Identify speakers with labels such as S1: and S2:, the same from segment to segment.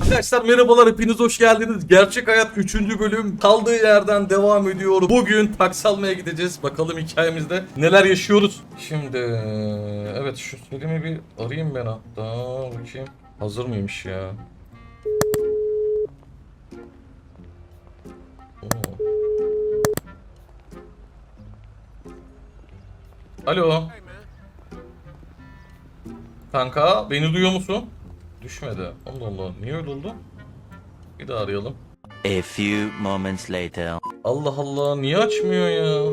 S1: Arkadaşlar merhabalar, hepiniz hoş geldiniz. Gerçek Hayat 3. bölüm kaldığı yerden devam ediyor. Bugün taksi almaya gideceğiz. Bakalım hikayemizde neler yaşıyoruz. Şimdi evet, şu Selim'i bir arayayım ben hatta. Bakayım hazır mıymış ya. Oo. Alo. Kanka beni duyuyor musun? Düşmedi. Allah Allah, niye öyle oldu? Bir daha arayalım.
S2: A few moments later.
S1: Allah Allah, niye açmıyor ya?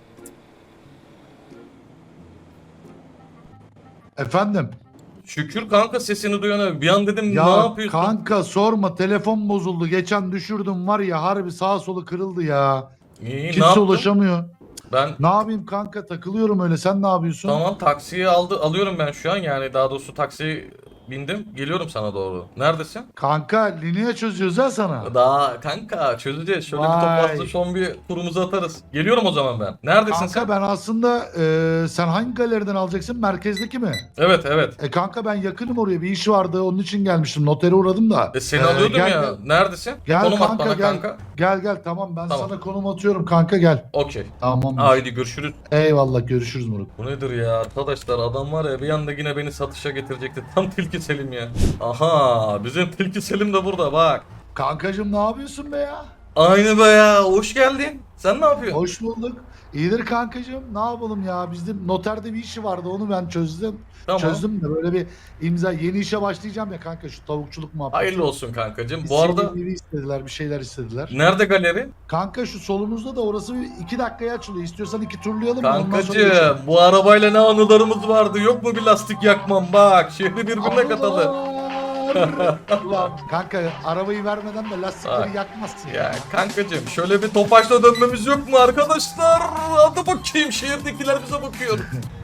S3: Efendim?
S1: Şükür kanka, sesini duyana. Bir an dedim ne
S3: Ya
S1: yapıyorsun?
S3: kanka sorma, telefon bozuldu. Geçen düşürdüm var ya, harbi sağa solu kırıldı ya.
S1: İyi, ne
S3: Kimse
S1: yaptın?
S3: ulaşamıyor.
S1: Ben
S3: Ne yapayım kanka, takılıyorum öyle, sen ne yapıyorsun?
S1: tamam, taksiyi alıyorum ben şu an, yani daha doğrusu taksiye bindim, geliyorum sana doğru. Neredesin?
S3: Kanka lineye çözüyoruz ha sana.
S1: Daha kanka çözeceğiz. Şöyle bir
S3: Vay.
S1: toplasın, son bir turumuzu atarız. Geliyorum o zaman ben. Neredesin
S3: Kanka
S1: sen?
S3: ben aslında sen hangi galeriden alacaksın? Merkezdeki mi?
S1: Evet evet.
S3: Kanka ben yakınım oraya, bir iş vardı, onun için gelmiştim. Notere uğradım da.
S1: Seni alıyordum
S3: gel,
S1: ya.
S3: Gel,
S1: Neredesin?
S3: gel
S1: Konum at
S3: kanka,
S1: bana
S3: gel.
S1: kanka.
S3: Gel tamam, ben
S1: Tamam.
S3: sana konum atıyorum kanka, gel.
S1: Okey.
S3: Tamam.
S1: Haydi görüşürüz.
S3: Eyvallah, görüşürüz Murat.
S1: Bu nedir ya arkadaşlar, adam var ya bir anda yine beni satışa getirecekti. Tam Tilki Selim ya. Aha, bizim Tilki Selim de burada bak.
S3: Kankacım ne yapıyorsun be ya?
S1: Aynı be ya, hoş geldin. Sen ne yapıyorsun?
S3: Hoş bulduk. İyidir kankacığım. Ne yapalım ya? Bizde noterde bir işi vardı. Onu ben çözdüm.
S1: Tamam.
S3: Çözdüm de böyle bir imza. Yeni işe başlayacağım ya kanka, şu tavukçuluk muhabbeti.
S1: Hayırlı olsun kankacığım.
S3: Bir
S1: Bu arada
S3: CV istediler, bir şeyler istediler.
S1: nerede galeri?
S3: Kanka şu solumuzda da, orası bir 2 dakikaya açılıyor. İstiyorsan 2 turlayalım mı? Ondan sonra geçelim.
S1: Kankacığım, bu arabayla ne anılarımız vardı. Yok mu bir lastik yakmam, bak. Şehri birbirine katalı.
S3: Allah! Ulan kanka, arabayı vermeden de lastikleri
S1: Bak.
S3: yakmazsın.
S1: Ya kankacığım, şöyle bir topaçla dönmemiz yok mu arkadaşlar? Hadi bakayım, şehirdekiler bize bakıyor.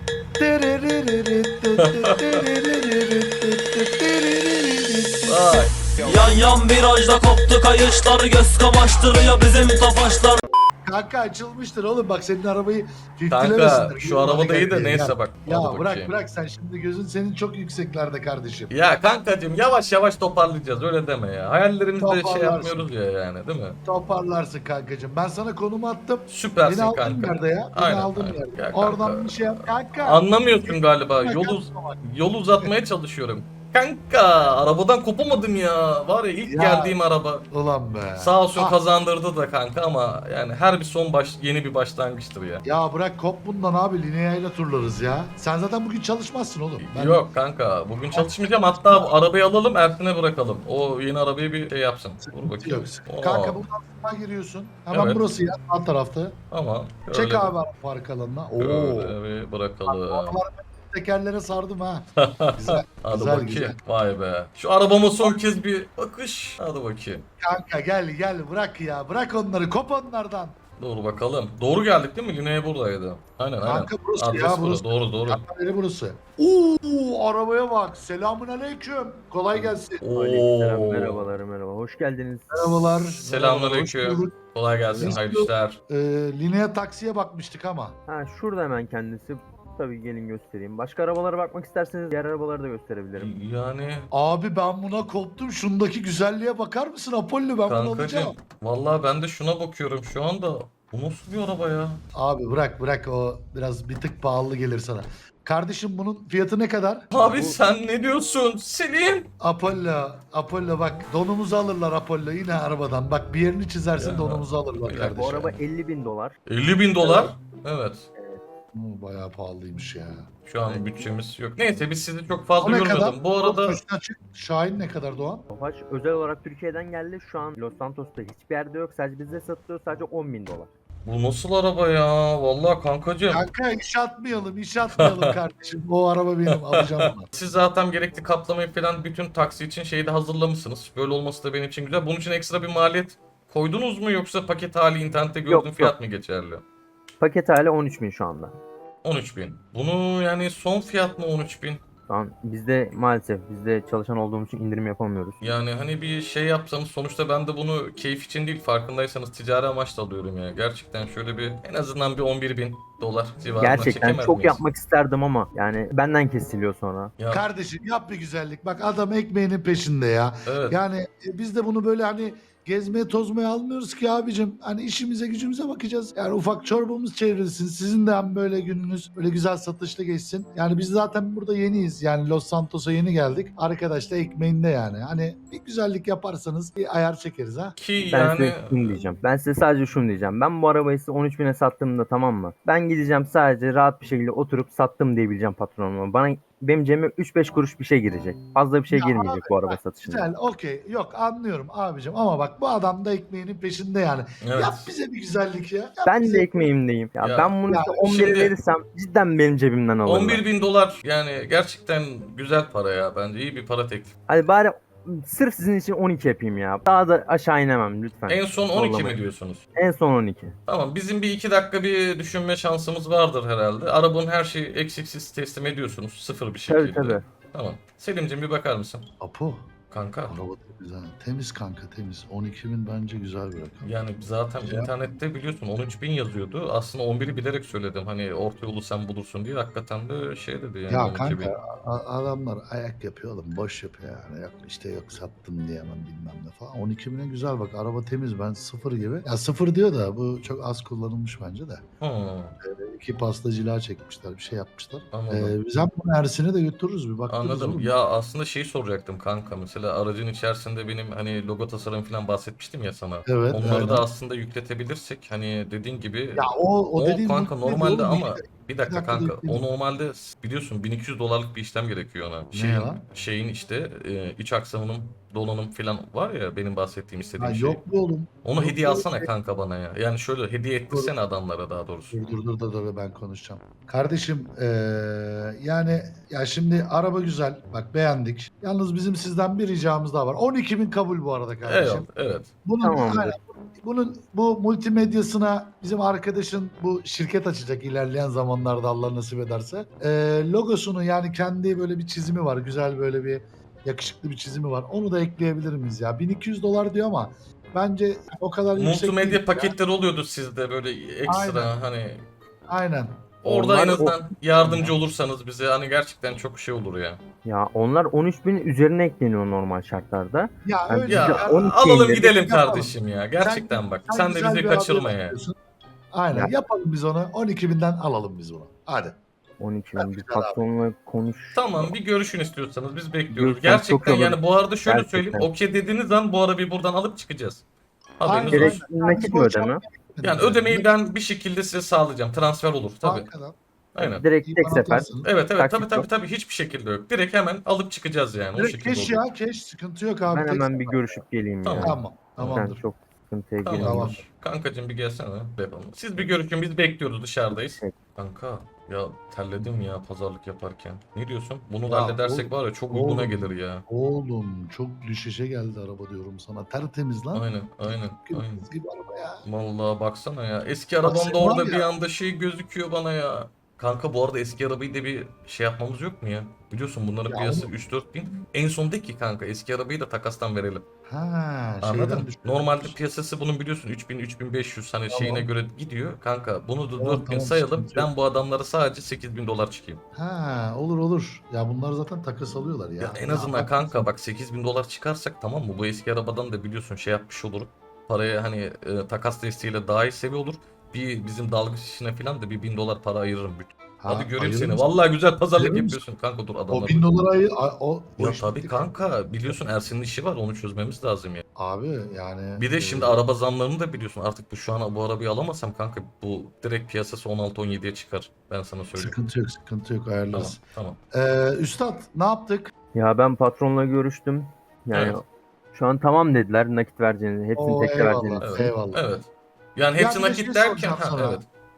S1: Bak.
S4: Yan yan virajda koptu kayışlar, göz kamaştırıyor bizim tofaşlar.
S3: Kanka açılmıştır oğlum, bak senin arabayı
S1: Kanka
S3: filtremesinler.
S1: şu arabada iyi de
S3: Gel,
S1: neyse
S3: gel.
S1: bak.
S3: Ya
S1: hadi
S3: bırak
S1: bakayım.
S3: bırak, sen şimdi gözün senin çok yükseklerde kardeşim.
S1: Ya kankacığım, yavaş yavaş toparlayacağız, öyle deme ya. Hayallerimizde şey
S3: Toparlarsın.
S1: yapmıyoruz ya, yani değil mi?
S3: Toparlarsın kankacığım. Ben sana konumu attım.
S1: Süpersin
S3: Beni aldığın
S1: kanka.
S3: yerde ya. Beni
S1: Aynen,
S3: aldığın
S1: aynen.
S3: yerde.
S1: Ya
S3: Oradan
S1: kanka.
S3: bir şey yap kanka.
S1: Anlamıyorsun galiba.
S3: Bak,
S1: Yol uzatmaya çalışıyorum. Kanka arabadan kopamadım ya. Var ya, ilk
S3: Ya.
S1: geldiğim araba.
S3: Ulan be.
S1: Sağ olsun
S3: Ah,
S1: kazandırdı da kanka, ama yani her bir son yeni bir başlangıçtır ya.
S3: Ya bırak kop bundan abi, lineayla turlarız ya. Sen zaten bugün çalışmazsın oğlum.
S1: Yok kanka, bugün çalışmayacağım, hatta bu arabayı alalım Ersin'e bırakalım. O yeni arabayı bir şey yapsın. Dur bakayım.
S3: Yok.
S1: Oo,
S3: Kanka buradan sağa giriyorsun. Hemen
S1: Evet.
S3: burası ya, alt tarafta.
S1: Tamam.
S3: Çek abi park alanına. Oo.
S1: Şöyle bir bırakalım.
S3: Arabaları tekerlere sardım ha. Güzel.
S1: Hadi
S3: güzel,
S1: bakayım.
S3: güzel.
S1: Vay be. Şu arabama son kez bir bakış. Hadi bakayım.
S3: Kanka gel bırak ya. Bırak onları, kop onlardan.
S1: Doğru bakalım. Doğru geldik değil mi? Lineye buradaydı. Aynen aynen.
S3: Kanka burası
S1: Adres
S3: ya,
S1: burası.
S3: burası.
S1: Doğru.
S3: Kanka burası. Oo, arabaya bak. Selamun aleyküm. Kolay gelsin.
S5: Aleykümselam,
S1: Oo.
S5: merhaba. Hoş geldiniz.
S3: Merhabalar.
S1: Selamünaleyküm.
S3: Merhaba, hoş bulduk.
S1: Kolay gelsin.
S3: Hoş
S1: Hayırlı
S3: bulduk.
S1: işler.
S3: Linea taksiye bakmıştık ama.
S5: Ha, şurada hemen kendisi. Tabii gelin göstereyim. Başka arabalara bakmak isterseniz diğer arabaları da gösterebilirim.
S1: Yani
S3: Abi ben buna koptum. Şundaki güzelliğe bakar mısın Apollo? Ben bunu
S1: kankacığım.
S3: alacağım.
S1: Vallahi ben de şuna bakıyorum şu anda. Bu nasıl bir araba ya?
S3: Abi bırak, o biraz bir tık pahalı gelir sana. Kardeşim bunun fiyatı ne kadar?
S1: Abi sen ne diyorsun? Selim.
S3: Apollo bak, donumuzu alırlar Apollo yine arabadan. Bak bir yerini çizersin,
S1: Ya,
S3: donumuzu alırlar
S1: bir
S3: kardeşim.
S5: Bu araba 50.000 dolar.
S1: 50.000 dolar. Evet.
S3: Bayağı pahalıymış ya.
S1: Şu an bütçemiz yok. Neyse, biz sizi çok fazla
S3: O ne kadar?
S1: yormadım. Bu arada
S3: Üstüne açık. Şahin ne kadar Doğan?
S5: Tofaş özel olarak Türkiye'den geldi. Şu an Los Santos'ta hiçbir yerde yok. Sadece bizde satılıyor. Sadece 10.000 dolar.
S1: bu nasıl araba ya? Vallahi kankacığım.
S3: Kanka iş atmayalım kardeşim. O araba benim, alacağım bunu.
S1: Siz zaten gerekli kaplamayı falan bütün taksi için şeyi de hazırlamışsınız. Böyle olması da benim için güzel. Bunun için ekstra bir maliyet koydunuz mu, yoksa paket hali internette gördüğün
S5: Yok,
S1: fiyat mı geçerli?
S5: Paket hali 13.000 şu anda.
S1: 13.000. Bunu yani son fiyat mı 13.000?
S5: Şu an bizde maalesef çalışan olduğumuz için indirim yapamıyoruz.
S1: Yani hani bir şey yapsanız sonuçta ben de bunu keyif için değil farkındaysanız ticari amaçla alıyorum ya. Gerçekten şöyle bir en azından bir 11.000 dolar civarına
S5: Gerçekten
S1: çekemez
S5: çok
S1: miyiz?
S5: yapmak isterdim ama yani benden kesiliyor sonra.
S1: Ya,
S3: Kardeşim yap bir güzellik. Bak adam ekmeğinin peşinde ya.
S1: evet.
S3: Yani biz de bunu böyle hani gezmeye tozmaya almıyoruz ki abicim. Hani işimize gücümüze bakacağız. Yani ufak çorbamız çevrilsin. Sizin de hem böyle gününüz böyle güzel satışlı geçsin. Yani biz zaten burada yeniyiz. Yani Los Santos'a yeni geldik. Arkadaş da ekmeğinde yani. Hani bir güzellik yaparsanız bir ayar çekeriz ha.
S1: Ki
S5: Ben
S1: yani
S5: size şunu diyeceğim. Ben size sadece şunu diyeceğim. Ben bu arabayı size 13.000'e sattığımda, tamam mı? Ben gideceğim sadece rahat bir şekilde oturup sattım diyebileceğim patronuma. Benim cebime 3-5 kuruş bir şey girecek. Fazla bir şey
S3: Ya
S5: girmeyecek bu araba satışında.
S3: Güzel, okey. Yok anlıyorum abicim ama bak bu adam da ekmeğinin peşinde yani.
S1: evet.
S3: Yap bize bir güzellik ya. Yap
S5: Ben
S3: bize.
S5: de ekmeğimdeyim. Ya,
S1: Ya,
S5: ben bunu
S3: ya
S5: size 11'e
S1: şimdi-
S5: verirsem cidden benim cebimden alırlar.
S1: 11.000 dolar yani gerçekten güzel para ya bence iyi bir para teklif.
S5: Hadi bari sırf sizin için 12 yapayım ya. Daha da aşağı inemem lütfen.
S1: En son 12 mi
S5: Zorlamayın.
S1: diyorsunuz?
S5: En son 12.
S1: Tamam bizim bir 2 dakika bir düşünme şansımız vardır herhalde. Arabanın her şeyi eksiksiz teslim ediyorsunuz sıfır bir şekilde.
S5: Tabii tabii.
S1: Tamam. Selim'cim bir bakar mısın?
S3: Apo.
S1: Kanka.
S3: Araba temiz ha. Temiz kanka temiz. 12.000 bence güzel bir rakam.
S1: Yani zaten
S3: Ya.
S1: internette biliyorsun 13.000 yazıyordu. Aslında 11'i bilerek söyledim. Hani orta yolu sen bulursun diye. Hakikaten de şey dedi yani
S3: Ya
S1: 12.000.
S3: kanka adamlar ayak yapıyor oğlum. Boş yapıyor yani. Yok işte yok sattım diyemem bilmem ne falan. 12.000'e güzel bak. Araba temiz ben sıfır gibi. Ya sıfır diyor da bu çok az kullanılmış bence de.
S1: Hmm,
S3: İki pasta cila çekmişler. Bir şey yapmışlar.
S1: anladım.
S3: Biz hem bunu Ersin'e de götürürüz bir baktırırız
S1: Anladım.
S3: oğlum.
S1: Ya aslında şeyi soracaktım kanka. Mesela aracın içerisinde benim hani logo tasarım falan bahsetmiştim ya sana.
S3: Evet,
S1: Onları
S3: aynen.
S1: da aslında yükletebilirsek hani dediğin gibi
S3: Ya o dediğin
S1: kanka
S3: mutlu
S1: normalde
S3: ediyor oğlum.
S1: ama bir dakika
S3: dakikada
S1: kanka
S3: yükledim.
S1: o normalde biliyorsun 1200 dolarlık bir işlem gerekiyor ona.
S3: ya?
S1: Şeyin işte iç aksamının donanım falan var ya benim bahsettiğim
S3: Ha,
S1: istediğim şey.
S3: yok mu oğlum?
S1: Onu
S3: Yok
S1: hediye
S3: mu?
S1: alsana kanka bana ya. Yani şöyle hediye ettirsene adamlara daha doğrusu.
S3: Dur ben konuşacağım. Kardeşim yani ya şimdi araba güzel. Bak beğendik. Yalnız bizim sizden bir ricamız daha var. 12.000 kabul bu arada kardeşim.
S1: Evet, evet.
S3: Bunun,
S5: Tamamdır.
S3: aynen, bunun bu multimedyasına bizim arkadaşın bu şirket açacak ilerleyen zamanlarda Allah nasip ederse. Logosunu yani kendi böyle bir çizimi var. Güzel böyle bir yakışıklı bir çizimi var. Onu da ekleyebilir miyiz ya? 1200 dolar diyor ama bence o kadar yüksek değil
S1: Multimedya
S3: ya.
S1: paketleri oluyordu sizde böyle ekstra
S3: Aynen.
S1: hani
S3: Aynen.
S1: orada
S5: Onlar
S1: en azından yardımcı olursanız bize hani gerçekten çok şey olur ya.
S5: Ya onlar 13.000 üzerine ekleniyor normal şartlarda.
S3: Ya
S5: Yani
S3: öyle
S1: Ya
S5: Bize 12
S1: alalım
S5: indirdik,
S1: gidelim
S3: yapalım.
S1: kardeşim ya. Gerçekten bak.
S3: Sen
S1: Sen de
S3: güzel
S1: bizi
S3: bir
S1: kaçırma
S3: arabaya
S1: ya.
S3: bakıyorsun. Aynen
S5: Ya.
S3: yapalım biz onu. 12.000'den alalım biz bunu. Hadi.
S5: 12.000 bir
S3: Güzel abi.
S5: patronla konuş.
S1: Tamam bir görüşün istiyorsanız biz bekliyoruz.
S5: Görüşten çok
S1: Gerçekten
S5: alırım.
S1: yani bu arada şöyle
S5: Gerçekten.
S1: söyleyeyim. Okey dediğiniz an bu arabayı buradan alıp çıkacağız. Haberiniz
S3: Aynen.
S1: olsun.
S5: Direkt nakit mi ödeme?
S1: Yani ödemeyi ben bir şekilde size sağlayacağım. Transfer olur tabii.
S3: Bankadan.
S1: Aynen.
S5: Direkt tek
S3: İban
S5: sefer.
S3: atarsın.
S1: Evet
S5: Taksit
S1: tabii
S5: yok.
S1: tabii hiçbir şekilde yok. Direkt hemen alıp çıkacağız yani. O
S3: Direkt
S1: şekilde
S3: keş
S1: olur.
S3: ya keş sıkıntı yok abi.
S5: Ben
S3: tek
S5: hemen bir
S3: sefer.
S5: görüşüp geleyim
S1: Tamam.
S5: ya.
S3: Tamam.
S5: Sen
S3: Tamamdır.
S5: çok sıkıntıya
S1: Tamam.
S5: girme.
S3: Tamam.
S1: Kankacığım bir gelsene. Yapalım. Siz bir görüşün biz bekliyoruz dışarıdayız.
S5: Peki.
S1: Kanka ya terledim ya pazarlık yaparken. Ne diyorsun? Bunu da
S3: Ya
S1: halledersek var ya çok uyguna
S3: oğlum.
S1: gelir ya.
S3: Oğlum çok düşüşe geldi araba diyorum sana. Tertemiz lan.
S1: Aynen.
S3: Kız gibi araba ya.
S1: Vallahi baksana ya. Eski
S3: Bak
S1: arabamda
S3: sen
S1: orada
S3: var ya-
S1: bir anda şey gözüküyor bana ya. Kanka bu arada eski arabayı da bir şey yapmamız yok mu ya? Biliyorsun bunların
S3: Ya
S1: piyasası
S3: oğlum.
S1: 3-4 bin. En son de ki kanka eski arabayı da takastan verelim.
S3: Ha,
S1: Anladın
S3: şeyden
S1: mı?
S3: düşmüş.
S1: Normalde piyasası bunun biliyorsun 3000-3500 hani
S3: Tamam.
S1: şeyine göre gidiyor. Kanka bunu da
S3: Tamam,
S1: 4000
S3: tamam,
S1: sayalım.
S3: sıkıntı yok.
S1: Ben bu adamlara sadece 8000 dolar çıkayım.
S3: Ha, olur. Ya bunlar zaten takas alıyorlar ya.
S1: Ya en azından
S3: bak-
S1: kanka bak 8000 dolar çıkarsak tamam mı? Bu eski arabadan da biliyorsun şey yapmış olur. Paraya hani takas desteğiyle daha iyi seviye olur. Bir bizim dalgıç işine falan da bir 1000 dolar para ayırırım.
S3: Ha,
S1: Hadi göreyim
S3: ayırır
S1: seni.
S3: mısın?
S1: Vallahi güzel pazarlık
S3: Ayırır mısın?
S1: yapıyorsun kanka dur
S3: O
S1: adamlar.
S3: 1000 dolara o
S1: Ya
S3: iş
S1: tabii
S3: bitti
S1: kanka biliyorsun Ersin'in işi var onu çözmemiz lazım ya.
S3: Abi yani.
S1: Bir de şimdi araba zamlarını da biliyorsun artık şu an bu arabayı alamazsam kanka bu direkt piyasası 16-17'ye çıkar. Ben sana söyleyeyim.
S3: Sıkıntı yok ayarlarız.
S1: Tamam.
S3: Üstad ne yaptık?
S5: Ya ben patronla görüştüm. Yani
S1: Evet.
S5: şu an tamam dediler nakit vereceğini, hepsini
S3: Oo,
S5: tekte
S3: eyvallah.
S5: vereceğini.
S1: Evet.
S3: Eyvallah.
S1: Evet. Yani hepsi
S3: Ya bir de
S1: nakit
S3: şey
S1: derken
S3: soracağım
S1: ha
S3: sana.
S1: evet.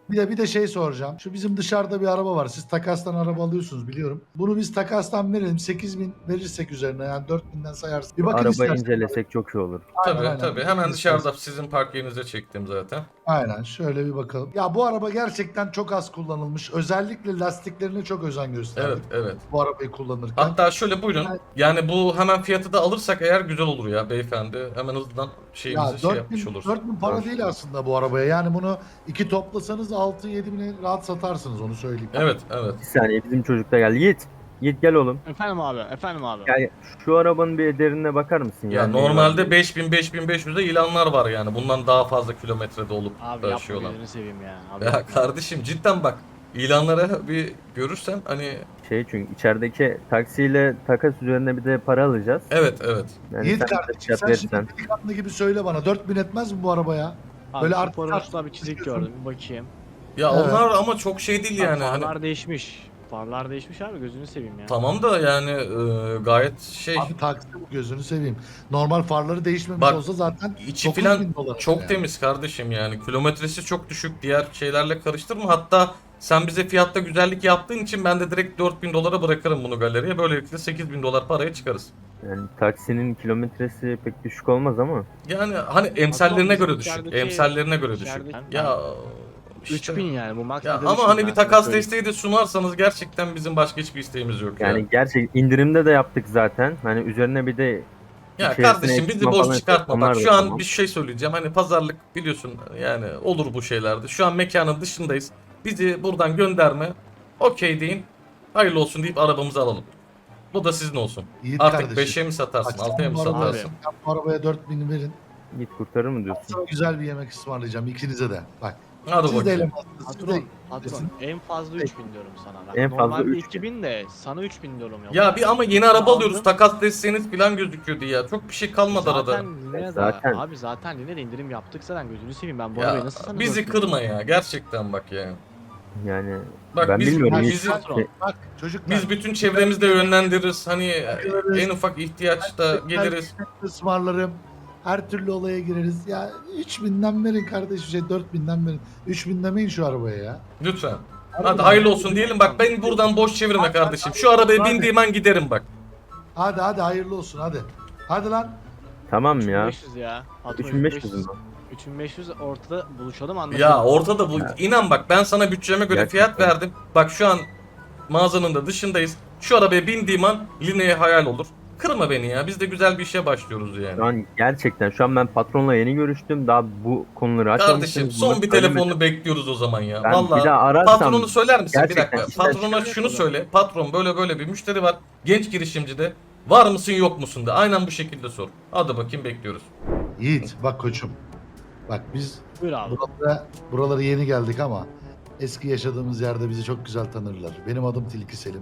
S3: Bir de şey soracağım. Şu bizim dışarıda bir araba var. Siz takastan araba alıyorsunuz biliyorum. Bunu biz takastan verelim. 8.000 verirsek üzerine yani 4.000'den sayarsın. Bir bakın
S5: Araba
S3: istersen.
S5: incelesek çok iyi olur.
S3: Aynen,
S1: Tabii
S3: aynen.
S1: tabii.
S3: Bir
S1: Hemen
S3: bakın
S1: dışarıda
S3: istersen.
S1: sizin park yerinize çektim zaten.
S3: Aynen şöyle bir bakalım. Ya bu araba gerçekten çok az kullanılmış. Özellikle lastiklerine çok özen gösterdik.
S1: Evet.
S3: Bu arabayı kullanırken.
S1: Hatta şöyle buyurun. Yani bu hemen fiyatı da alırsak eğer güzel olur ya beyefendi. Hemen hızlıdan
S3: ya
S1: şeyimizi
S3: 4.000
S1: yapmış oluruz.
S3: 4.000 para değil aslında bu arabaya. Yani bunu iki toplasanız 6-7 bine rahat satarsınız onu söyleyeyim.
S1: Evet.
S5: Bir saniye bizim çocuk da geldi. Yiğit. Yiğit gel oğlum.
S6: Efendim abi.
S5: Gel. Şu arabanın bir ederine bakar mısın?
S1: Ya
S5: Yani
S1: normalde 5000-5500'de ilanlar var yani. Bundan daha fazla kilometrede olup
S6: Abi
S1: da
S6: yapma
S1: şey olan.
S6: gözünü seveyim ya. Abi,
S1: Ya kardeşim cidden bak. İlanlara bir görürsen hani
S5: çünkü içerideki taksiyle takas üzerine bir de para alacağız.
S1: evet.
S5: Yani
S3: Yiğit
S5: sen de
S3: kardeşim
S5: fiyat
S3: sen
S5: verirsen.
S3: şimdi delikanlı gibi söyle bana 4.000 etmez mi bu arabaya?
S6: abi
S3: Böyle
S6: şu
S3: artık
S6: Forums'ta bir çizik gördüm. Bir bakayım.
S1: Ya
S3: Evet.
S1: onlar ama çok şey değil yani.
S6: Abi,
S1: Hani
S6: farlar değişmiş. Farlar değişmiş abi gözünü seveyim ya.
S1: tamam da yani gayet şey
S3: Abi taksi bu gözünü seveyim. Normal farları değişmemiş
S1: Bak,
S3: olsa zaten
S1: içi
S3: 9.000
S1: filan
S3: dolar
S1: çok
S3: yani.
S1: temiz kardeşim yani. Kilometresi çok düşük. Diğer şeylerle karıştırma. Hatta sen bize fiyatta güzellik yaptığın için ben de direkt 4.000 dolara bırakırım bunu galeriye. Böylelikle 8.000 dolar paraya çıkarız.
S5: Yani taksinin kilometresi pek düşük olmaz ama.
S1: Yani hani emsallerine
S6: bizim
S1: göre düşük.
S6: içerideki-
S1: Emsallerine göre düşük.
S6: içerideki-
S1: Ya işte.
S6: 3000 yani bu max.
S1: Ya
S6: bir de
S1: ama
S6: 3000
S1: hani
S6: ben
S1: bir
S6: sana
S1: takas
S6: söyleyeyim.
S1: desteği de sunarsanız gerçekten bizim başka hiçbir isteğimiz yok ya.
S5: Yani gerçek indirimde de yaptık zaten. Hani üzerine bir de
S1: Ya
S5: içerisine
S1: kardeşim bizi
S5: ekipman
S1: boş
S5: falan
S1: çıkartma.
S5: onlar
S1: Bak
S5: da
S1: şu an
S5: tamam.
S1: bir şey söyleyeceğim. Hani pazarlık biliyorsun yani olur bu şeylerde. Şu an mekanın dışındayız. Bizi buradan gönderme. Okey deyin. Hayırlı olsun deyip arabamızı alalım. Bu da sizin olsun.
S3: Yiğit
S1: Artık
S3: kardeşim.
S1: 5'e mi satarsın,
S3: Bak,
S1: 6'ya mı
S3: sen bu arabaya-
S1: satarsın?
S3: sen bu arabaya 4.000 verin.
S5: Git kurtarır mı diyorsun?
S3: Sana güzel bir yemek ısmarlayacağım ikinize de. Bak.
S1: Hadi
S3: Siz de
S1: bakayım.
S3: elemansınız. Siz de...
S6: Patron en fazla 3000 diyorum sana. Bak,
S5: En fazla
S6: normalde
S5: 3000.
S6: 2000 de sana 3000 diyorum
S1: Ya bir ama yeni araba
S6: Aldım.
S1: alıyoruz. Takas desteğiniz falan gözüküyordu ya. Çok bir şey kalmadı arada.
S6: Zaten Linea'da,
S5: Zaten.
S6: abi zaten Linea'da indirim yaptık zaten gözünü seveyim ben bu
S1: Ya
S6: arabayı nasıl sana
S1: bizi
S6: 4000
S1: kırma ya. Gerçekten bak ya.
S5: Yani
S1: Bak
S5: ben
S1: biz,
S5: bilmiyorum.
S3: Yani
S5: Hiç-
S1: bizi,
S6: patron.
S3: Bak çocuklar.
S1: biz bütün çevremizde yönlendiririz. Hani
S3: Bakıyoruz.
S1: en ufak ihtiyaçta geliriz.
S3: ısmarlarım. Her türlü olaya gireriz. Ya 3.000'den verin kardeşim 4.000'den verin. 3.000 demeyin şu arabaya ya.
S1: Lütfen. Hadi hayırlı olsun diyelim. Bak ben buradan boş çevirme kardeşim. Şu arabaya bindiğim an giderim bak.
S3: Hadi hayırlı olsun hadi. Hadi lan.
S5: Tamam ya.
S6: 3500 ya. Patron
S5: 3500 mü?
S6: 3500 ortada buluşalım anlaşalım.
S1: Ya ortada bu. İnan bak ben sana bütçeme göre fiyat
S5: Gerçekten.
S1: verdim. Bak şu an mağazanın da dışındayız. Şu arabaya bindiğim an Line'ye hayal olur. Kırma beni ya. Biz de güzel bir işe başlıyoruz yani.
S5: Şu an gerçekten şu an ben patronla yeni görüştüm. Daha bu konuları açmamışsınız.
S1: Kardeşim son
S5: Bunları
S1: bir
S5: söylemedim.
S1: telefonunu bekliyoruz o zaman ya.
S5: Ben
S1: Vallahi
S5: bir daha ararsam
S1: patronu söyler misin? Bir
S5: gerçekten
S1: dakika.
S5: işler
S1: Patrona
S6: çıkıyor
S1: şunu
S6: sonra.
S1: söyle. Patron böyle bir müşteri var. Genç girişimci de. Var mısın yok musun de. Aynen bu şekilde sor. Hadi bakayım bekliyoruz.
S3: Yiğit bak koçum. Bak biz
S6: Buyur abi.
S3: buralara yeni geldik ama eski yaşadığımız yerde bizi çok güzel tanırlar. Benim adım Tilki Selim.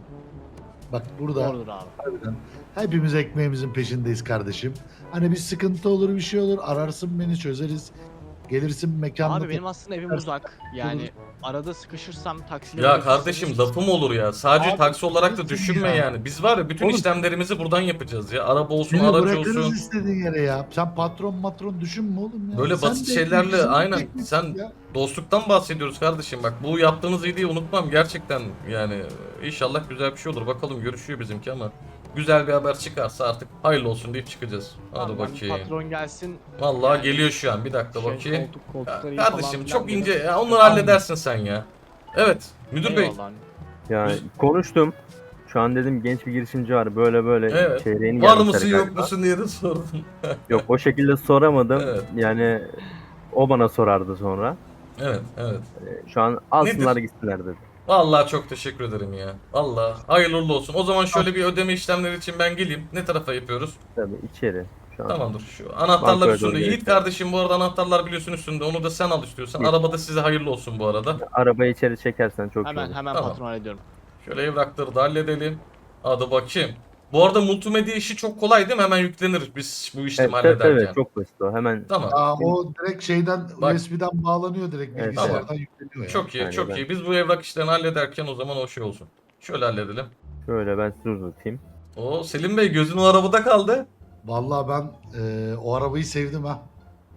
S3: Bak burada
S6: Doğrudur abi.
S3: harbiden hepimiz ekmeğimizin peşindeyiz kardeşim. Hani bir sıkıntı olur bir şey olur ararsın beni çözeriz. Gelirsin mekanda.
S6: Abi benim aslında evim uzak. Yani arada sıkışırsam taksiyle
S1: Ya
S6: bırakırsınız.
S1: kardeşim lafım olur ya. Sadece
S3: Abi,
S1: taksi olarak da
S3: lütfen
S1: düşünme
S3: ya.
S1: yani. Biz var ya bütün
S3: Oğlum-
S1: işlemlerimizi buradan yapacağız ya. Araba olsun,
S3: Seni
S1: araç
S3: bırakırız
S1: olsun.
S3: istediğin yere ya. Sen patron düşünme oğlum ya.
S1: Böyle
S3: Sen
S1: basit
S3: de
S1: şeylerle,
S3: ekmeksin,
S1: aynen.
S3: ekmeksin
S1: Sen-
S3: ya.
S1: Dostluktan bahsediyoruz kardeşim. Bak bu yaptığınız iyiliği unutmam gerçekten yani. İnşallah güzel bir şey olur. Bakalım görüşüyor bizimki ama. Güzel bir haber çıkarsa artık hayırlı olsun deyip çıkacağız. Hadi
S6: Tamam,
S1: bakayım.
S6: Patron gelsin.
S1: Vallahi
S6: Yani-
S1: geliyor şu an. Bir dakika bakayım.
S6: Koltukları iyi
S1: Kardeşim
S6: falan
S1: çok
S6: filan
S1: ince.
S6: dedim.
S1: Ya, onları halledersin sen ya. Evet. Müdür bey.
S6: Eyvallah.
S5: Ya
S1: Biz-
S5: konuştum. Şu an dedim genç bir girişimci var böyle
S1: Evet.
S5: çeyreğini
S1: Var
S5: gelmişler
S1: mısın yok
S5: galiba.
S1: musun diye de sordum.
S5: Yok o şekilde soramadım.
S1: Evet.
S5: Yani o bana sorardı sonra.
S1: Evet.
S5: Şu an alsınlar gitsinler dedi.
S1: Vallahi çok teşekkür ederim ya. Vallahi hayırlı uğurlu olsun. O zaman şöyle bir ödeme işlemleri için ben geleyim. Ne tarafa yapıyoruz?
S5: Tabii içeri. Şu an.
S1: Tamamdır. Şu anahtarlar
S5: Bankaya
S1: üstünde.
S5: doğru
S1: Yiğit
S5: geçiyor.
S1: kardeşim bu arada anahtarlar biliyorsun üstünde. Onu da sen al istiyorsan.
S5: İyi.
S1: Arabada size hayırlı olsun bu arada.
S5: Arabayı içeri çekersen çok iyi olur.
S6: Hemen
S1: Tamam.
S6: patron hallediyorum.
S1: Şöyle evrakları da halledelim. Hadi bakayım. Bu arada multimedya işi çok kolay değil mi? Hemen yüklenir biz bu işlemi
S5: Evet, evet,
S1: hallederken.
S5: evet, çok basit o. Hemen
S1: Tamam.
S3: Aa, o direkt şeyden
S1: Bak.
S3: USB'den bağlanıyor direkt
S5: Evet,
S3: bilgisayardan yükleniyor ya.
S1: Çok iyi,
S5: Yani
S1: çok
S5: ben-
S1: iyi. Biz bu evrak işlerini hallederken o zaman o şey olsun. Şöyle halledelim.
S5: şöyle ben size uzatayım.
S1: Oo Selim Bey gözün o arabada kaldı.
S3: Vallahi ben o arabayı sevdim ha.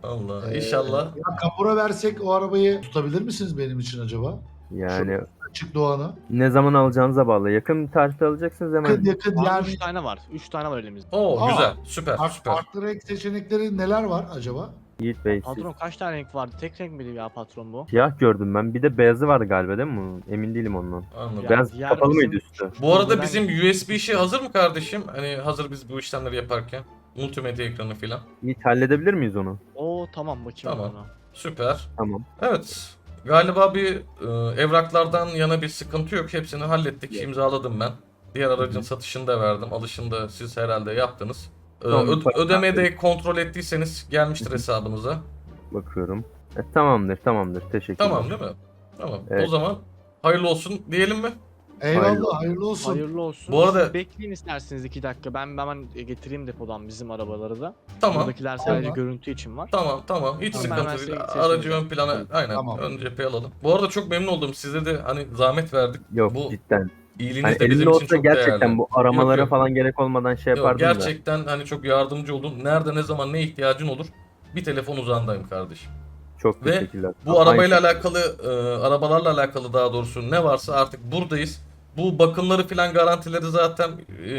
S1: Allah inşallah.
S3: Ya kapora versek o arabayı tutabilir misiniz benim için acaba?
S5: Yani
S3: Açık Doğan'ı.
S5: ne zaman alacağınıza bağlı. Yakın bir tarihte alacaksınız hemen.
S3: Yakın
S6: Abi
S3: yani.
S6: 3 tane var. 3 tane var elimizde.
S1: Oo
S3: Aa,
S1: güzel süper süper.
S3: Farklı renk seçenekleri neler var acaba?
S5: Yiğit Bey siz.
S6: Patron kaç tane renk vardı? Tek renk miydi ya patron bu?
S5: Siyah gördüm ben. Bir de beyazı vardı galiba değil mi bunun? Emin değilim ondan.
S1: Anladım.
S6: Ya,
S5: Beyaz
S6: diğer
S5: kapalı
S6: bizim-
S5: mıydı üstü?
S1: Bu arada
S6: Ben-
S1: bizim USB işi hazır mı kardeşim? Hani hazır biz bu işlemleri yaparken. Multimedya ekranı filan.
S5: Yiğit halledebilir miyiz onu?
S6: Oo tamam bakayım
S1: Tamam.
S6: ona.
S5: Süper. Tamam.
S1: Evet. Galiba bir evraklardan yana bir sıkıntı yok. Hepsini hallettik. İmzaladım ben. Diğer aracın satışını da verdim. Alışını da siz herhalde yaptınız.
S5: Tamam,
S1: Ödemeyi de kontrol ettiyseniz gelmiştir hesabınıza.
S5: Bakıyorum. Tamamdır. Teşekkürler.
S1: Tamam değil mi? Tamam.
S5: Evet.
S1: O zaman hayırlı olsun diyelim mi?
S3: Eyvallah, hayırlı olsun.
S6: Hayırlı olsun.
S1: Bu arada-
S6: Siz bekleyin isterseniz 2 dakika. Ben hemen getireyim depodan bizim arabaları da.
S1: Tamam.
S6: Buradakiler sadece
S3: Tamam.
S6: görüntü için var.
S1: Tamam. Hiç
S3: Tamam.
S1: sıkıntı
S6: Ben
S1: değil.
S6: size
S1: Aracı
S6: seçeceğim.
S1: ön plana aynen
S3: Tamam.
S1: ön cepheye alalım. Bu arada çok memnun oldum. Size de hani zahmet verdik.
S5: Yok
S1: Bu
S5: cidden.
S1: iyiliğiniz
S5: Hani
S1: de bizim
S5: elinde
S1: için
S5: olsa
S1: çok
S5: gerçekten
S1: değerli.
S5: bu aramalara
S1: Yok.
S5: falan gerek olmadan şey
S1: Yok,
S5: yapardım da.
S1: gerçekten hani çok yardımcı oldun. Nerede ne zaman ne ihtiyacın olur? Bir telefon uzağındayım kardeşim.
S5: Çok
S1: Ve
S5: teşekkürler.
S1: Bu arabayla
S5: Aynı-
S1: alakalı, arabalarla alakalı daha doğrusu ne varsa artık buradayız. Bu bakımları filan garantileri zaten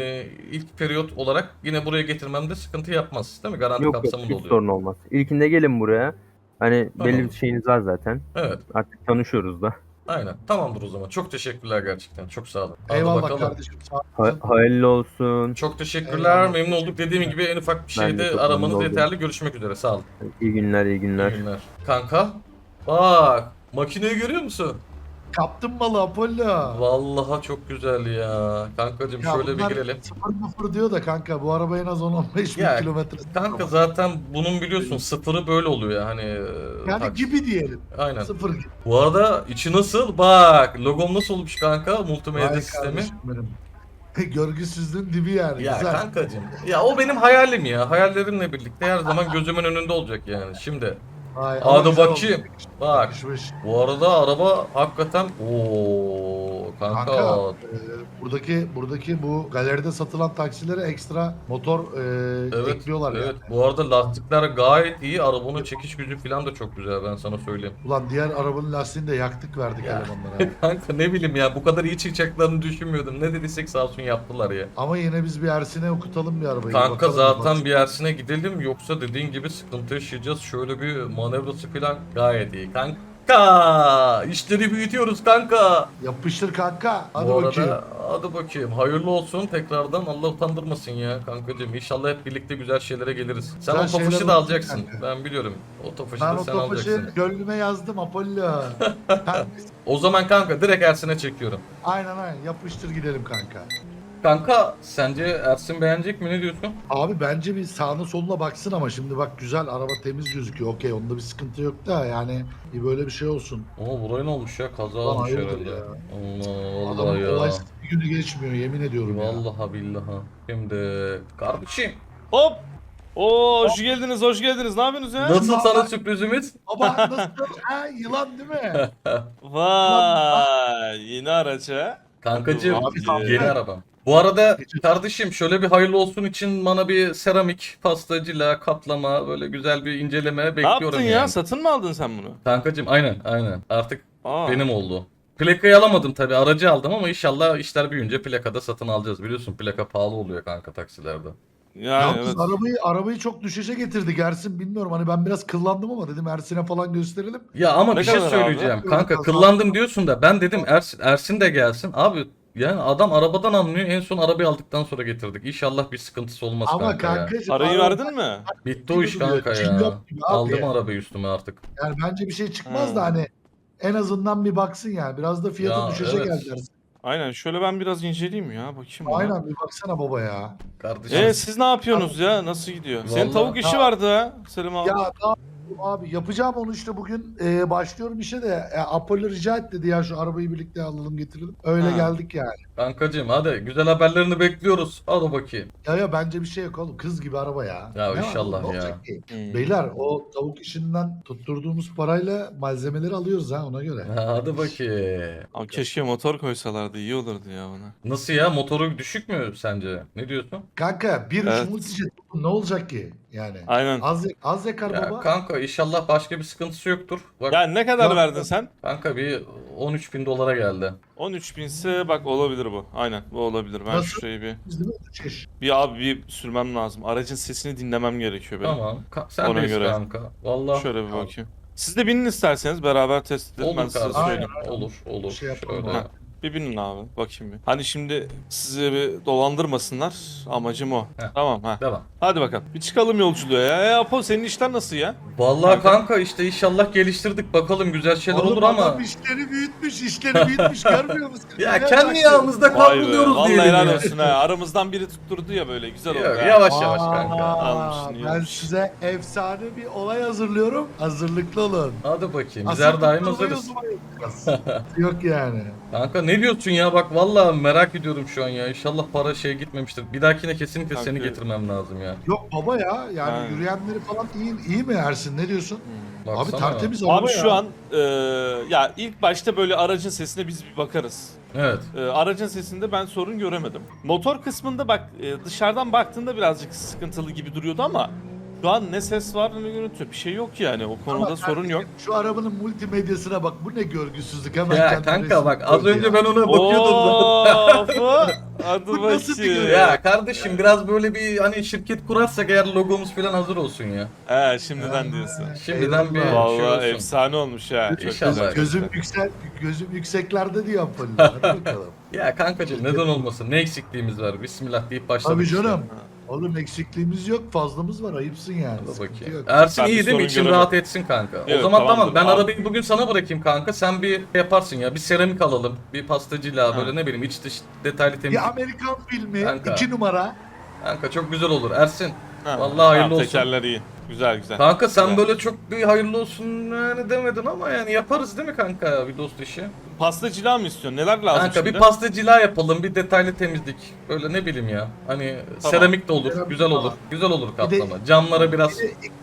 S1: ilk periyot olarak yine buraya getirmemde sıkıntı yapmaz. Değil mi? Garanti
S5: Yok
S1: kapsamında
S5: hiç
S1: oluyor.
S5: sorun olmaz. İlkinde gelin buraya. Hani
S1: Tamam.
S5: belli bir şeyiniz var zaten.
S1: Evet.
S5: Artık tanışıyoruz da.
S1: Aynen. Tamamdır o zaman. Çok teşekkürler gerçekten. Çok sağ olun. Hadi
S3: Eyvallah
S1: bakalım.
S3: kardeşim. Sağ olasın.
S5: Hayırlı olsun.
S1: Çok teşekkürler.
S3: Eyvallah.
S1: Memnun olduk. Dediğim gibi en ufak bir
S5: Ben de
S1: şeyde
S5: çok memnun
S1: aramanız
S5: oldum.
S1: yeterli. Görüşmek üzere. Sağ olun.
S5: İyi günler.
S1: İyi günler. Kanka. Bak. Makineyi görüyor musun?
S3: Kaptın malı Apollo.
S1: Vallahi çok güzel ya. Kankacığım
S3: Ya
S1: şöyle bir
S3: bunlar
S1: girelim.
S3: 0-0 diyor da kanka bu araba en az 10-15 bin
S1: Ya,
S3: kilometre.
S1: Kanka zaten bunun biliyorsun sıfırı böyle oluyor ya hani.
S3: Yani
S1: taksi.
S3: gibi diyelim.
S1: Aynen.
S3: 0 gibi.
S1: Bu arada içi nasıl? Bak logom nasıl olmuş kanka multimedya
S3: Vay
S1: sistemi.
S3: kardeşim benim. Görgüsüzlüğün dibi yani.
S1: Ya
S3: Güzel.
S1: kankacığım. Ya o benim hayalim ya. Hayallerimle birlikte her zaman gözümün önünde olacak yani. Şimdi
S3: Vay, ama
S1: hadi
S3: güzel
S1: bakayım.
S3: oldu.
S1: Bak
S3: Yakışmış.
S1: bu arada araba hakikaten ooo kanka.
S3: Kanka buradaki bu galeride satılan taksilere ekstra motor
S1: Evet,
S3: ekliyorlar
S1: evet.
S3: yani.
S1: Bu arada lastikler gayet iyi. Arabanın çekiş gücü falan da çok güzel ben sana söyleyeyim.
S3: Ulan diğer arabanın lastiğini de yaktık verdik
S1: Ya.
S3: elemanlara.
S1: Kanka ne bileyim ya bu kadar iyi çıkacaklarını düşünmüyordum. Ne dediysek sağ olsun yaptılar ya.
S3: Ama yine biz bir Ersin'e okutalım bir arabayı.
S1: Kanka
S3: bakalım
S1: zaten
S3: bak.
S1: bir Ersin'e gidelim yoksa dediğin gibi sıkıntı yaşayacağız. Şöyle bir manevrası falan gayet iyi. Kanka işleri büyütüyoruz kanka.
S3: Yapıştır kanka. Hadi
S1: Bu arada
S3: bakayım.
S1: hadi bakayım. Hayırlı olsun tekrardan Allah utandırmasın ya kankacığım. İnşallah hep birlikte güzel şeylere geliriz. Sen
S3: Güzel
S1: o tofaşı
S3: şeyler
S1: da
S3: olsun
S1: alacaksın.
S3: kanka.
S1: Ben biliyorum. O tofaşı
S3: Ben
S1: da
S3: o
S1: sen
S3: topaşı
S1: alacaksın.
S3: gönlüme yazdım Apollo.
S1: O zaman kanka direkt Ersin'e çekiyorum.
S3: aynen yapıştır gidelim kanka.
S1: Kanka sence Ersin beğenecek mi ne diyorsun?
S3: Abi bence bir sağına soluna baksın ama şimdi bak güzel araba temiz gözüküyor. Okey onda bir sıkıntı yok da yani bir böyle bir şey olsun.
S1: Oo buraya ne olmuş ya? Kaza
S3: Ulan
S1: olmuş
S3: hayırdır
S1: herhalde.
S3: ya.
S1: Allah Allah
S3: Adamın
S1: ya.
S3: olaysız bir günü geçmiyor yemin ediyorum ya.
S1: Vallahi billahi. Şimdi kardeşim
S7: Hop! Oo hoş geldiniz, hoş geldiniz. Ne yapıyorsunuz ya?
S1: nasıl sana sürprizimiz?
S3: Baba nasıl? Ha yılan değil mi?
S7: Vay, yeni araç ha.
S1: Kankacığım
S7: Abi,
S1: yeni arabam. Bu arada kardeşim şöyle bir hayırlı olsun için bana bir seramik, pastacıyla, kaplama böyle güzel bir inceleme
S7: Ne
S1: bekliyorum
S7: yaptın
S1: yani.
S7: ya? Satın mı aldın sen bunu?
S1: Kankacığım aynen. Artık
S7: Aa.
S1: benim oldu. Plakayı alamadım tabi aracı aldım ama inşallah işler büyüyünce plakada satın alacağız. Biliyorsun plaka pahalı oluyor kanka taksilerde.
S7: Yani
S3: Yalnız
S7: evet.
S3: arabayı çok düşüşe getirdik Ersin bilmiyorum hani ben biraz kıllandım ama dedim Ersin'e falan gösterelim.
S1: Ya ama
S7: Ne
S1: bir şey
S7: kadar abi?
S1: söyleyeceğim. Kanka
S3: Biraz
S1: kıllandım diyorsun da ben dedim Ersin de gelsin. Abi yani adam arabadan anlıyor. En son arabayı aldıktan sonra getirdik. İnşallah bir sıkıntısı olmaz
S3: Ama
S1: kanka ya.
S3: kankacığım
S7: Parayı
S3: araba-
S7: verdin mi?
S1: Bitti o iş
S3: gibi
S1: kanka
S3: duruyor,
S1: ya.
S3: cillop gibi abi.
S1: Aldım arabayı üstüme artık.
S3: Yani bence bir şey çıkmaz da
S7: Hmm.
S3: hani en azından bir baksın yani biraz da fiyatı
S1: Ya,
S3: düşecek
S1: evet.
S3: geldi Ersin.
S7: Aynen şöyle ben biraz inceleyeyim ya. Bakayım. ya.
S3: Aynen bir baksana baba ya.
S1: Kardeşim.
S7: Siz ne yapıyorsunuz ya? Nasıl gidiyor? Senin
S1: Vallahi-
S7: tavuk işi vardı ha. Selim abi.
S3: Ya ne yapayım abi yapacağım onu işte bugün başlıyorum işe de Apollo rica et dedi ya şu arabayı birlikte alalım getirelim. Öyle
S7: Ha.
S3: geldik yani.
S1: Kankacığım hadi güzel haberlerini bekliyoruz. Hadi bakayım.
S3: Ya bence bir şey yok oğlum. Kız gibi araba ya.
S1: Ya
S3: Ne var
S1: inşallah
S3: oğlum, ne
S1: ya.
S3: olacak ki?
S7: Hmm.
S3: Beyler o tavuk işinden tutturduğumuz parayla malzemeleri alıyoruz ha ona göre.
S1: Hadi bakayım.
S7: Abi keşke motor koysalardı iyi olurdu ya bana.
S1: Nasıl ya, motoru düşük mü sence? Ne diyorsun?
S3: Kanka 1.3
S7: Evet.
S3: multijet ne olacak ki yani?
S7: Aynen.
S3: Az yakar
S1: Ya
S3: baba.
S1: kanka inşallah başka bir sıkıntısı yoktur. Bak
S7: Ya ne kadar
S3: Ya-
S7: verdin sen?
S1: kanka bir 13.000 dolara geldi.
S7: 13 binse bak olabilir bu. Aynen bu olabilir. Ben
S3: Nasıl?
S7: şurayı bir
S3: Biz değil mi? Şiş.
S7: bir sürmem lazım. Aracın sesini dinlemem gerekiyor benim.
S1: Tamam. Sen
S7: Ona
S1: de
S7: göre.
S1: kanka. Vallahi
S7: Şöyle bir bakayım. Siz de binin isterseniz beraber test edelim ben
S1: olur
S7: size
S1: kardeşim.
S7: söyleyeyim.
S1: Olur.
S3: Şey yapalım
S1: Şöyle.
S3: abi.
S7: Bir binin abi bakayım bir. Hani şimdi sizi bir dolandırmasınlar. Amacım o.
S1: Heh.
S7: Tamam ha.
S1: Devam.
S7: Hadi bakalım. Bir çıkalım yolculuğa ya. Apo senin işler nasıl ya?
S1: Vallahi kanka işte inşallah geliştirdik. Bakalım güzel şeyler
S3: Oğlum
S1: olur ama.
S3: adam işleri büyütmüş görmüyor musun?
S1: Ya
S3: Ne
S1: kendi
S3: yapacaksın?
S1: yağımızda
S7: Vay be.
S1: kavruluyoruz
S7: Vallahi
S1: diyelim
S7: helal
S1: ya.
S7: olsun ha. Aramızdan biri tutturdu ya böyle. Güzel oldu
S1: Yok,
S7: ha.
S1: yavaş kanka.
S7: Almışsın, iyi
S3: Ben
S7: olmuş.
S3: size efsane bir olay hazırlıyorum. Hazırlıklı olun.
S1: Hadi bakayım. Biz
S3: Asıl
S1: her daim
S3: tutturmayı
S1: hazırız.
S3: o zaman yapacağız. Yok yani.
S1: Kanka ne diyorsun ya, bak vallahi merak ediyorum şu an ya. İnşallah para gitmemiştir. Bir dahakine kesinlikle
S7: Kanka.
S1: seni getirmem lazım ya.
S3: Yok baba ya yani
S7: Ha.
S3: yürüyenleri falan iyi mi Ersin ne diyorsun? Abi
S1: Baksana.
S3: tertemiz araba
S7: Abi
S3: ya.
S7: şu an ya ilk başta böyle aracın sesine biz bir bakarız.
S1: Evet.
S7: Aracın sesinde ben sorun göremedim. Motor kısmında bak dışarıdan baktığında birazcık sıkıntılı gibi duruyordu ama şu an ne ses var ne görüntü bir şey yok yani o konuda
S3: Ama
S7: sorun yok.
S3: Şu arabanın multimedyasına bak bu ne görgüsüzlük hemen
S1: Ya
S3: kendine
S1: kanka
S3: resim
S1: bak az
S3: koydu
S1: önce
S3: ya.
S1: ben ona bakıyordum zaten.
S7: Of! Hadi
S3: Bu nasıl bir
S7: bakayım.
S3: görüntü?
S1: Ya kardeşim biraz böyle bir hani şirket kurarsak eğer logomuz falan hazır olsun ya.
S7: He şimdiden diyorsun.
S1: Şimdiden bir
S3: Eyvallah.
S1: şey
S7: Vallahi
S1: olsun.
S7: efsane olmuş ha. Çok
S1: İnşallah.
S7: güzel.
S3: Gözüm yükseklerde diyor Apollo. Hadi bakalım.
S1: Ya kankacığım neden olmasın? Ne eksikliğimiz var? Bismillah deyip başladık.
S3: Tabii
S1: işte.
S3: canım. Oğlum eksikliğimiz yok fazlamız var ayıpsın yani.
S1: Hadi
S3: Sıkıntı
S1: bakayım.
S3: yok.
S1: Ersin
S7: Ben bir
S1: iyi değil mi?
S7: sorun
S1: İçin
S7: göremedim.
S1: rahat etsin kanka. O
S7: Evet,
S1: zaman tamam.
S7: tamamdır.
S1: Ben
S7: Abi.
S1: arabayı bugün sana bırakayım kanka. Sen bir yaparsın ya. Bir seramik alalım. Bir pastacıyla
S7: Ha.
S1: böyle ne bileyim iç dış detaylı temizlik.
S3: Bir Amerikan filmi
S1: Kanka.
S3: 2 numara.
S1: Kanka çok güzel olur. Ersin.
S7: Ha,
S1: Vallahi hayırlı
S7: tamam,
S1: olsun.
S7: Tekerler iyi. Güzel güzel.
S1: Kanka sen
S7: Güzel.
S1: böyle çok bir hayırlı olsun yani demedin ama yani yaparız değil mi kanka bir dost işi?
S7: Pastacılığa mı istiyorsun? Neler lazım
S1: Kanka
S7: şimdi?
S1: bir pastacılığa yapalım, bir detaylı temizlik. Böyle ne bileyim ya. Hani seramik de olur,
S3: Seramik
S1: güzel olur.
S3: falan.
S1: Güzel olur
S3: Bir de-
S1: kaplama. Camlara biraz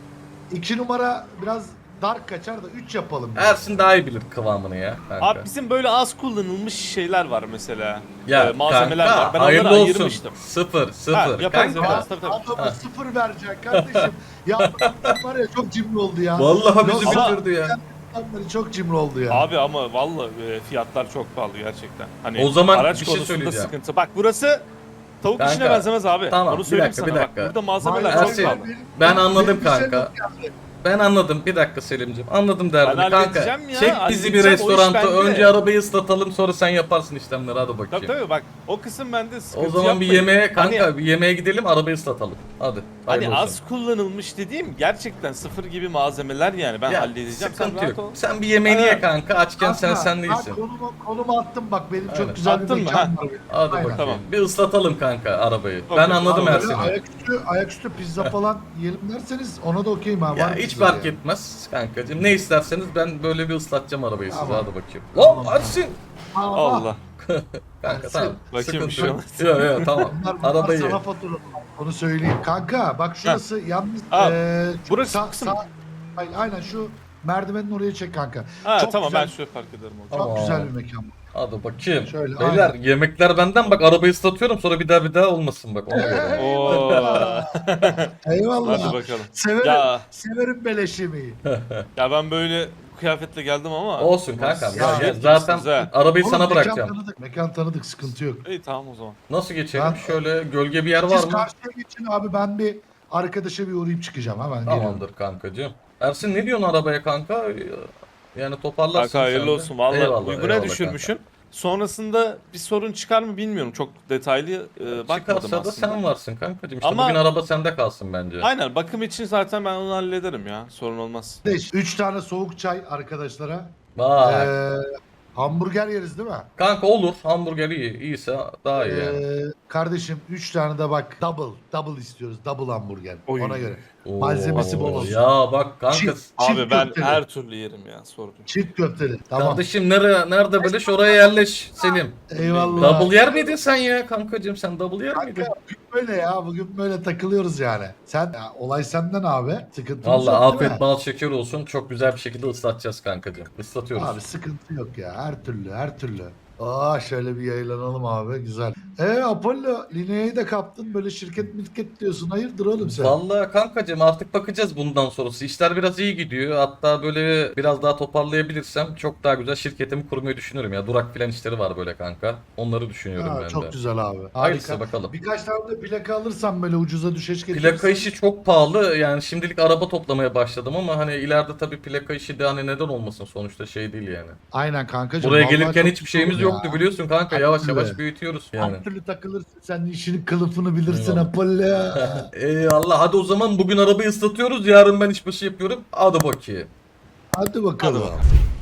S3: 2 numara biraz dark kaçar da 3 yapalım.
S1: Ersin daha iyi bilir kıvamını ya kanka.
S7: Abi bizim böyle az kullanılmış şeyler var mesela.
S1: Ya
S7: Malzemeler
S1: kanka,
S7: var. Ben
S1: hayırlı
S7: onları
S1: olsun.
S7: ayırmıştım.
S1: Sıfır.
S7: yaparız,
S1: Kanka.
S7: yaparız. Tabii, tabii.
S3: Adama 0 vereceksin kardeşim. Ya adam var ya çok cimri oldu ya.
S1: Vallahi bizi
S3: Ama-
S1: bitirdi ya.
S3: Adamları çok cimri oldu ya.
S7: Abi ama vallahi fiyatlar çok pahalı gerçekten. Hani
S1: O zaman
S7: araç
S1: bir şey
S7: konusunda
S1: söyleyeceğim.
S7: sıkıntı. Bak burası tavuk
S1: Kanka,
S7: işine benzemez abi.
S1: tamam,
S7: Onu
S1: bir
S7: söyleyeyim
S1: dakika,
S7: sana
S1: bir
S7: bak.
S1: dakika.
S7: Burada malzemeler
S3: Hayır,
S7: çok
S1: Ersin,
S7: pahalı.
S1: ben anladım
S3: benim bir şey
S1: kanka.
S3: yok yani.
S1: Ben anladım. Bir dakika Selim'ciğim. Anladım derdini
S7: Ben
S1: kanka.
S7: halledeceğim ya,
S1: Çek bizi bir
S7: halledeceğim. O iş
S1: restoranta.
S7: bende.
S1: Önce arabayı ıslatalım sonra sen yaparsın işlemleri. Hadi bakayım.
S7: Tabii tabii bak o kısım bende sıkıntı
S1: O zaman bir
S7: yapmayın.
S1: yemeğe kanka
S7: Hani-
S1: bir yemeğe gidelim arabayı ıslatalım. Hadi.
S7: Hani
S1: hayırlı olsun.
S7: az kullanılmış dediğim gerçekten sıfır gibi malzemeler yani ben
S1: Ya,
S7: halledeceğim. Sen
S1: sıkıntı
S7: rahat
S1: yok.
S7: ol.
S1: Sen bir yemeğini ye
S7: Aynen.
S1: kanka. Açken sen
S3: Kanka,
S1: değilsin.
S3: konumu attım bak benim
S1: Aynen.
S3: çok güzel
S7: Attın
S3: bir
S7: mı?
S3: mekan var. benim.
S1: Hadi
S3: Aynen.
S1: bakayım.
S7: Tamam.
S1: Bir ıslatalım kanka arabayı.
S7: Okey.
S1: Ben anladım
S3: Abi,
S1: Ersin'i.
S3: ayaküstü pizza falan yiyelim derseniz ona da okeyim ha.
S1: Ya
S3: var
S1: hiç
S3: pizza
S1: fark
S3: ya.
S1: etmez kankacığım. Ne isterseniz ben böyle bir ıslatacağım arabayı size.
S3: Tamam.
S1: Hadi bakayım.
S3: Tamam.
S1: Hop Ersin.
S7: Allah.
S1: Kanka
S3: Ersin.
S1: tamam.
S7: Bakayım bir şey olmaz.
S1: Yok tamam.
S3: Bunlar
S1: Arabayı.
S3: sana fatura. Onu söyleyeyim. Kanka bak şurası yalnız.
S7: Ha,
S3: şu
S7: burası kısım.
S3: aynen şu merdivenin oraya çek kanka.
S7: Ha
S3: Çok
S7: tamam
S3: güzel,
S7: ben şöyle fark ederim o
S3: Çok
S7: zaman.
S1: Tamam.
S3: güzel bir mekan.
S1: Hadi bakayım.
S3: Şöyle,
S1: Beyler
S3: aynen.
S1: yemekler benden bak arabayı ıslatıyorum sonra bir daha olmasın bak ona göre.
S7: Oo.
S3: Eyvallah.
S7: Hadi bakalım.
S3: Severim,
S7: Ya
S3: severim beleş yemeği.
S7: ya ben böyle kıyafetle geldim ama.
S1: Olsun kankam.
S7: Siz
S1: Ya,
S7: şey
S1: zaten
S7: etmişsiniz ha.
S1: arabayı
S3: Oğlum,
S1: sana bırakacağım.
S3: Mekan tanıdık sıkıntı yok.
S7: İyi tamam o zaman.
S1: Nasıl geçelim?
S3: Ben-
S1: Şöyle gölge bir yer var
S3: Siz
S1: mı?
S3: karşıya geçin abi ben bir arkadaşa bir uğrayıp çıkacağım hemen geliyorum.
S1: Tamamdır kankacığım. Ersin ne diyorsun arabaya kanka? Yani toparlarsın
S7: Kanka hayırlı
S1: sen de.
S7: olsun. Valla
S1: Eyvallah,
S7: uyguna
S1: eyvallah
S7: düşürmüşsün. Sonrasında bir sorun çıkar mı bilmiyorum. Çok detaylı
S1: kanka.
S7: bakmadım
S1: Çıkarsa da
S7: aslında.
S1: sen varsın kankacığım. İşte
S7: Ama-
S1: bugün araba sende kalsın bence.
S7: Aynen bakım için zaten ben onu hallederim ya. Sorun olmaz.
S3: 3 tane soğuk çay arkadaşlara.
S1: Vay.
S3: Hamburger yeriz değil mi?
S1: Kanka olur. Hamburger iyi. İyiyse daha iyi yani.
S3: Kardeşim 3 tane de bak double istiyoruz. Double hamburger.
S7: Oy.
S3: Ona göre.
S1: Oo,
S3: Malzemesi bol olsun.
S1: Ya bak kanka.
S3: Çift
S7: Abi ben
S3: köfteli.
S7: her türlü yerim ya, sorun yok.
S3: Çift köfteli. Tamam.
S1: Kardeşim nerede beleş oraya yerleş Selim.
S3: Eyvallah.
S1: Double yer miydin sen ya kankacığım, sen double yer miydin?
S3: Kanka bugün böyle ya. Bugün böyle takılıyoruz yani. Sen ya, olay senden abi. Sıkıntımız
S1: Valla
S3: yok değil
S1: afiyet
S3: mi?
S1: bal şeker olsun, çok güzel bir şekilde ıslatacağız kankacığım. Islatıyoruz.
S3: Abi sıkıntı yok ya. Her türlü her türlü. Aa şöyle bir yayılanalım abi. Güzel. Apollo Linea'yı da kaptın. Böyle şirket diyorsun. Hayırdır oğlum sen?
S1: Vallahi kankacığım artık bakacağız bundan sonrası. İşler biraz iyi gidiyor. Hatta böyle biraz daha toparlayabilirsem çok daha güzel şirketimi kurmayı düşünüyorum ya. Durak filan işleri var böyle kanka. Onları düşünüyorum
S3: Ha,
S1: ben
S3: çok
S1: de.
S3: güzel abi.
S1: Hayırlısı
S3: Harika.
S1: bakalım.
S3: Birkaç tane de plaka alırsam böyle ucuza düşeş getirirsen.
S1: Plaka işi çok pahalı. Yani şimdilik araba toplamaya başladım ama hani ileride tabii plaka işi de hani neden olmasın, sonuçta şey değil yani.
S3: Aynen kankacığım.
S1: Buraya
S3: vallahi
S1: gelirken
S3: çok
S1: hiçbir şeyimiz
S3: güzel
S1: yoktu
S3: ya.
S1: biliyorsun kanka.
S3: Her
S1: Yavaş
S3: türlü.
S1: yavaş büyütüyoruz yani.
S3: Her türlü takılırsın. Sen işinin kılıfını bilirsin
S1: Eyvallah.
S3: Apollo.
S1: Eyvallah, hadi o zaman bugün arabayı ıslatıyoruz. Yarın ben işbaşı yapıyorum. Hadi bakayım.
S3: Hadi bakalım.
S7: Hadi bakalım.